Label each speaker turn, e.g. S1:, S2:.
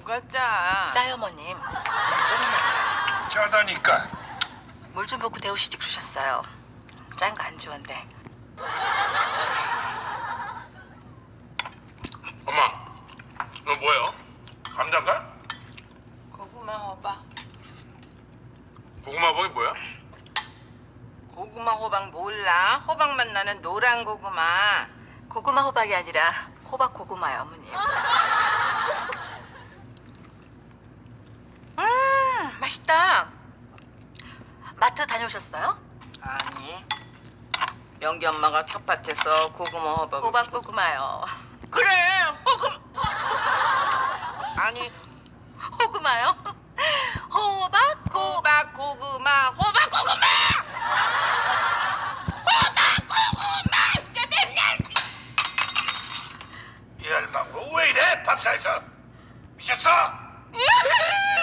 S1: 누가 짜?
S2: 짜요, 어머님.
S3: 짜다니까.
S2: 물 좀 붓고 데우시지 그러셨어요. 짠 거 안 좋은데.
S3: 엄마, 너 뭐예요? 감자인가?
S1: 고구마 호박.
S3: 고구마 버이 뭐야?
S1: 고구마 호박 몰라? 호박맛 나는 노란 고구마.
S2: 고구마 호박이 아니라 호박 고구마요, 어머님. 맛있다. 마트 다녀오셨어요?
S1: 아니. 영기 엄마가 텃밭에서 고구마 호박.
S2: 호박 고구마요.
S1: 그래 호구. 아니
S2: 호구마요? 호박
S1: 호박 고구마 호박 고구마. 호박 고구마. 짜증나.
S3: 이 할망구 왜 이래? 밥상에서 미쳤어?